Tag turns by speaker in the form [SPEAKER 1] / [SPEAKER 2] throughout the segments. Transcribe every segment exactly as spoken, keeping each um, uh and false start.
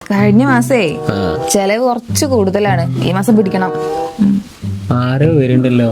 [SPEAKER 1] കഴിഞ്ഞ മാസേ ചെലവ് കുറച്ച് കൂടുതലാണ്, ഈ മാസം പിടിക്കണം.
[SPEAKER 2] ആരോ വരുന്നുണ്ടല്ലോ,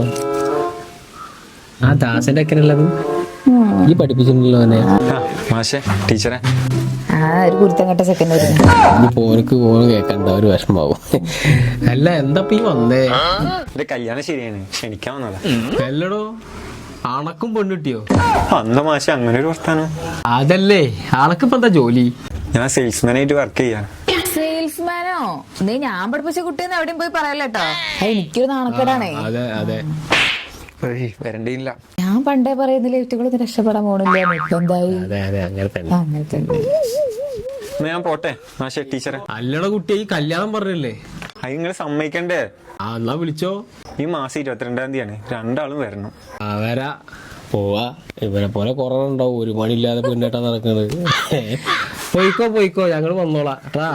[SPEAKER 2] ആ ദാസന്റെ ഒക്കെ ഉള്ളത് ഈ പഠിപ്പിച്ചിട്ടുണ്ടല്ലോ അവനെ.
[SPEAKER 3] ടീച്ചറെ
[SPEAKER 1] ആ ഒരു കുരുത്തം കെട്ട സെക്കൻഡ് വരുന്നു.
[SPEAKER 2] ഇനി പോനക്ക് പോണ് കേക്കണ്ട, ഒരു വിഷമാവും. അല്ല എന്താ ഈ വന്നേ?
[SPEAKER 3] എന്റെ കല്യാണം ശരിയാണ്, ക്ഷണിക്കാൻ വന്നതാ.
[SPEAKER 2] അല്ലടോ, അണക്കും പെണ്ണിട്ടിയോ?
[SPEAKER 3] അന്ന മാഷ അങ്ങനെ ഒരു വർത്താനം.
[SPEAKER 2] അതല്ലേ, അണക്കിപ്പോ എന്താ ജോലി?
[SPEAKER 3] ഞാൻ സെയിൽസ്മാൻ ആയിട്ട് വർക്ക് ചെയ്യാ.
[SPEAKER 1] സെയിൽസ്മാനോ? നീ ഞാൻ പഠിപ്പിച്ച കുട്ടിയെന്ന് എവിടെയും പോയി പറയല്ലോ. എനിക്കൊരു നാണക്കേടാണേ.
[SPEAKER 2] അതെ അതെ,
[SPEAKER 3] വരണ്ടില്ല.
[SPEAKER 1] ഞാൻ പണ്ടേ പറയുന്നില്ല ഇവറ്റകളൊന്നും രക്ഷപ്പെടാൻ പോണില്ല. എന്തായി?
[SPEAKER 2] അതെ അതെ, അങ്ങനെ തന്നെ.
[SPEAKER 1] അങ്ങനെ തന്നെ.
[SPEAKER 3] ഞാൻ പോട്ടെ മാഷെ. ടീച്ചറെ
[SPEAKER 2] അല്ലട കുട്ടിയെ, ഈ കല്യാണം പറഞ്ഞല്ലേ?
[SPEAKER 3] അത് നിങ്ങൾ സമ്മതിക്കണ്ടേ?
[SPEAKER 2] ആ എന്നാ വിളിച്ചോ.
[SPEAKER 3] ഈ മാസം ഇരുപത്തിരണ്ടാം തീയതിയാണ്, രണ്ടാളും വരണം.
[SPEAKER 2] ആ വരാ, പോവാ. ഇവനെ പോലെ കൊറോണ ഉണ്ടാവും, ഒരു മണിയില്ലാതെ പെണ്ണേട്ടാ നടക്കുന്നത്. പോയിക്കോ പോയിക്കോ, ഞങ്ങള് വന്നോളാം ട്ടാ.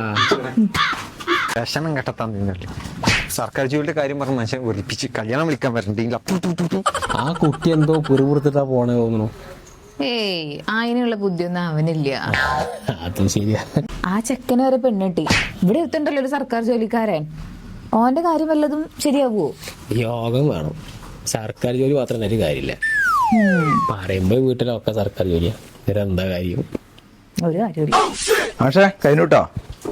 [SPEAKER 3] വിഷമം കെട്ടത്താൻ നിന്നല്ലേ. സർക്കാർ ജോലിയുടെ കാര്യം പറഞ്ഞ മനുഷ്യൻ വെറുപ്പിച്ച് കല്യാണം വിളിക്കാൻ വരണ്ടില്ല.
[SPEAKER 2] ആ കുട്ടി എന്തോ കുറുപുറത്തിട്ടാ പോണേ തോന്നുന്നു.
[SPEAKER 1] ഏയ്, അതിനുള്ള ബുദ്ധിയൊന്നും അവനില്ല.
[SPEAKER 2] അതും ശരിയാ.
[SPEAKER 1] ആ ചെക്കന് വരെ പെണ്ണിട്ടി. ഇവിടെ എത്തുണ്ടല്ലോ ഒരു സർക്കാർ ജോലിക്കാരൻ. ഓന്റെ കാര്യം വല്ലതും ശരിയാവോ?
[SPEAKER 2] യോഗം വേണം. സർക്കാർ ജോലി മാത്രം ഒരു കാര്യമില്ല. പറയുമ്പോ വീട്ടിലൊക്കെ സർക്കാർ ജോലിയാ, ഇവരെന്താ കാര്യം?
[SPEAKER 1] ഒരു കാര്യമില്ല.
[SPEAKER 4] പക്ഷേ കഴിഞ്ഞുട്ടോ.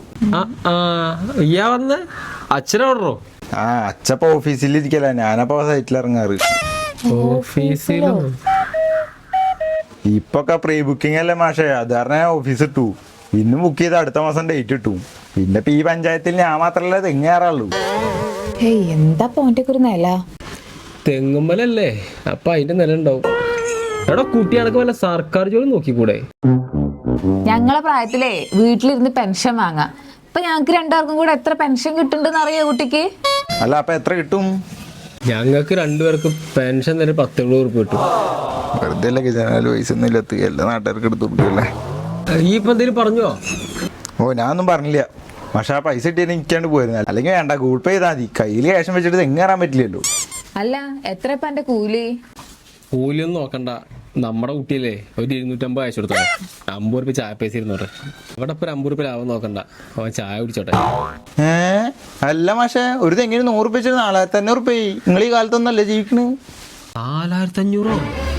[SPEAKER 2] ഇയ്യാ വന്ന് അച്ഛനോടോ?
[SPEAKER 4] ആ അച്ഛപ്പ ഓഫീസിലിരിക്കല, ഞാനപ്പോ സൈറ്റിൽ ഇറങ്ങാറ്.
[SPEAKER 2] ഓഫീസിലോ?
[SPEAKER 4] ഇപ്പൊക്കെ പ്രീ ബുക്കിംഗ് അല്ലേ മാഷേ, അത് കാരണം ഓഫീസ് ഇട്ടു. ഇന്ന് ബുക്ക് ചെയ്ത് അടുത്ത മാസം ഡേറ്റ് ഇട്ടു. പിന്നെ ഇപ്പൊ ഈ പഞ്ചായത്തിൽ ഞാൻ മാത്രല്ല തെങ്ങേറുള്ളൂ.
[SPEAKER 1] ഏയ്, എന്താ പോന്റെ ഒരു നില?
[SPEAKER 2] തെങ്ങുമ്പലല്ലേ, അപ്പൊ അതിന്റെ നില ഉണ്ടാവും. എടാ കുട്ടിയാൾക്ക് വല്ല സർക്കാർ ജോലി നോക്കിക്കൂടെ?
[SPEAKER 1] ഞങ്ങളെ പ്രായത്തിലേ വീട്ടിലിരുന്ന് പെൻഷൻ വാങ്ങാം. ഇപ്പൊ ഞങ്ങക്ക് രണ്ടാർക്കും കൂടെ എത്ര പെൻഷൻ കിട്ടുന്നുണ്ടെന്ന് അറിയോ കുട്ടിക്ക്?
[SPEAKER 4] അല്ല അപ്പൊ എത്ര കിട്ടും?
[SPEAKER 2] ഞങ്ങൾക്ക് രണ്ടുപേർക്ക് പെൻഷൻ തന്നെ പത്ത് എഴുപത് ഉറുപ്പ് കിട്ടും.
[SPEAKER 4] വെറുതെ അല്ലേ ജനാല് പൈസ ഒന്നും ഇല്ലാത്ത എല്ലാ നാട്ടുകാർക്ക് എടുത്തു കൊടുക്കല്ലേ.
[SPEAKER 2] ഈ ഇപ്പൊ എന്തേലും പറഞ്ഞോ?
[SPEAKER 4] ഓ ഞാനൊന്നും പറഞ്ഞില്ല. പക്ഷെ ആ പൈസ കിട്ടിയാൽ എനിക്കാണ്ട് പോയിരുന്നു. അല്ലെങ്കിൽ വേണ്ട, ഗൂഗിൾ പേ ചെയ്താൽ മതി. കയ്യിൽ ക്യാഷ് വെച്ചിട്ട് തെങ്ങേറാൻ പറ്റില്ലല്ലോ.
[SPEAKER 1] അല്ല, എത്ര ഇപ്പൊ എന്റെ കൂലി?
[SPEAKER 2] കൂലിയൊന്നും നോക്കണ്ട, നമ്മുടെ കുട്ടിയല്ലേ ഒരു ഇരുന്നൂറ്റമ്പത് അയച്ചു കൊടുത്തോ. അമ്പത് റുപ്യ ചായ പൈസ ഇരുന്നോട്ടെ. ഇവിടെ ഇപ്പൊ ഒരു അമ്പത് റുപ്യ ലാഭം നോക്കണ്ട, അവൻ ചായ കുടിച്ചോട്ടെ.
[SPEAKER 4] ഏ അല്ല മാഷേ, ഒരു തെങ്ങിന് നൂറ് റുപ്യ വെച്ചാൽ നാലായിരത്തി അഞ്ഞൂറ് റുപ്യ. നിങ്ങൾ ഈ കാലത്തൊന്നല്ലേ ജീവിക്കണ്?
[SPEAKER 2] നാലായിരത്തി അഞ്ഞൂറോ?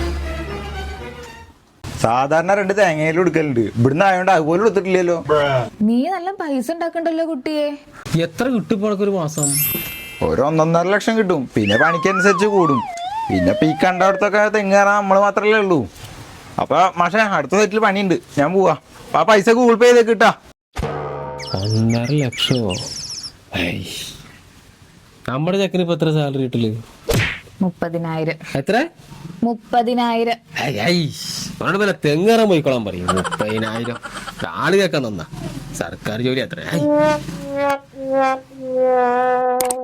[SPEAKER 4] സാധാരണ രണ്ട് തേങ്ങയിലും എടുക്കലുണ്ട്, ഇവിടുന്ന് ആയതുകൊണ്ട് അതുപോലെ എടുത്തിട്ടില്ലല്ലോ.
[SPEAKER 1] നീ നല്ല പൈസ ഉണ്ടാക്കണ്ടല്ലോ കുട്ടിയെ.
[SPEAKER 2] എത്ര കിട്ടും ഒരു മാസം?
[SPEAKER 4] ഒരു ഒന്നൊന്നര ലക്ഷം കിട്ടും. പിന്നെ പണിക്കനുസരിച്ച് കൂടും. പിന്നെ ഇപ്പൊ ഈ കണ്ടവിടത്തൊക്കെ തെങ്ങേറാൻ നമ്മൾ മാത്രല്ലേ ഉള്ളൂ. അപ്പൊ മാഷേ അടുത്ത സൈറ്റിൽ പണിയുണ്ട്, ഞാൻ പോവാ. അപ്പൊ ആ പൈസ ഗൂഗിൾ പേ ചെയ്തേക്ക് കിട്ടാ.
[SPEAKER 2] ഒന്നര ലക്ഷമോ? നമ്മുടെ ചെക്കന് ഇപ്പൊ എത്ര സാലറി കിട്ടല്?
[SPEAKER 1] മുപ്പതിനായിരം.
[SPEAKER 2] എത്ര?
[SPEAKER 1] മുപ്പതിനായിരം.
[SPEAKER 2] അവനോട് പോലെ തെങ്ങേറാൻ പോയിക്കോളാൻ പറയും. മുപ്പതിനായിരം ആള് കേൾക്കാൻ തന്നാ സർക്കാർ ജോലി അത്ര.